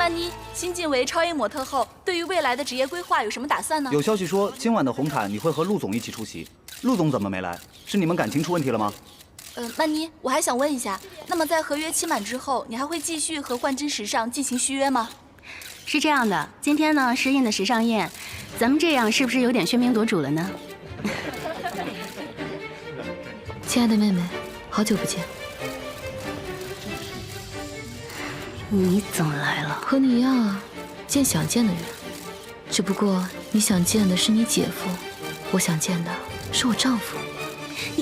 曼妮，新晋为超 A 模特后，对于未来的职业规划有什么打算呢？ 有消息说今晚的红毯你会和陆总一起出席，陆总怎么没来？是你们感情出问题了吗？ 曼妮，我还想问一下，那么在合约期满之后，你还会继续和幻真时尚进行续约吗？ 是这样的，今天呢是印的时尚宴，咱们这样是不是有点喧宾夺主了呢？ 亲爱的妹妹，好久不见。 你怎么来了？ 和你一样啊，见想见的人。只不过你想见的是你姐夫，我想见的是我丈夫。 你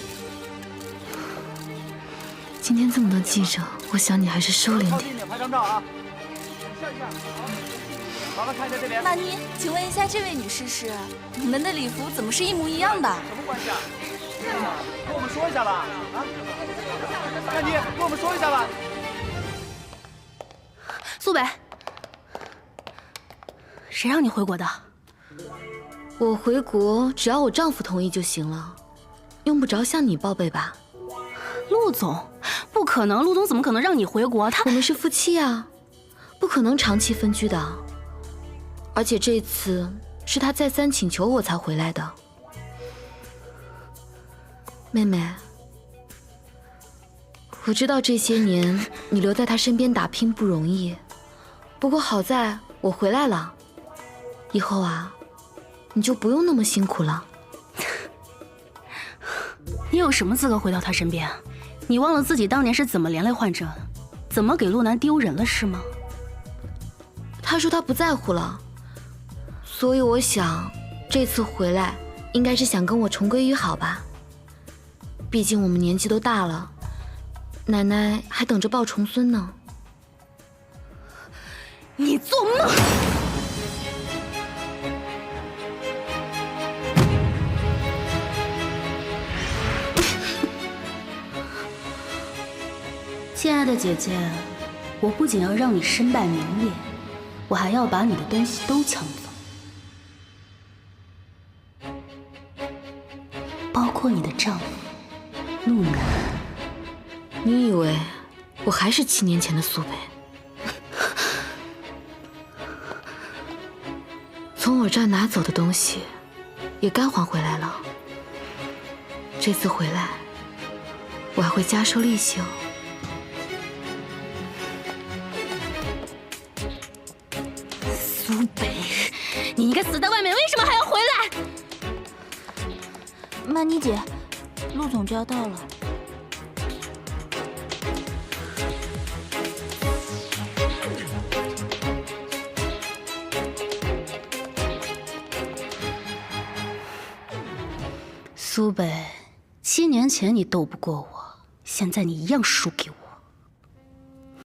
今天这么多记者，我想你还是收敛点。 拍张照啊！笑一下，好了，看一下这边。 曼妮，请问一下，这位女士是？你们的礼服怎么是一模一样的？ 什么关系啊？跟我们说一下吧。啊，曼妮，跟我们说一下吧。 苏北，谁让你回国的？ 我回国只要我丈夫同意就行了，用不着向你报备吧？ 陆总，不可能，陆总怎么可能让你回国？他我们是夫妻啊，不可能长期分居的。而且这次是他再三请求我才回来的。妹妹，我知道这些年你留在他身边打拼不容易，不过好在我回来了，以后啊，你就不用那么辛苦了。 你有什么资格回到他身边？你忘了自己当年是怎么连累患者，怎么给陆南丢人了是吗？ 他说他不在乎了，所以我想这次回来应该是想跟我重归于好吧。毕竟我们年纪都大了，奶奶还等着抱重孙呢。 你做梦！亲爱的姐姐，我不仅要让你身败名裂，我还要把你的东西都抢走，包括你的丈夫陆南。 你以为我还是7年前的苏北？从我这儿拿走的东西也该还回来了。这次回来，我还会加收利息哦。 苏北，你应该死在外面，为什么还要回来？ 曼妮姐，陆总就要到了。 苏北，7年前你斗不过我，现在你一样输给我。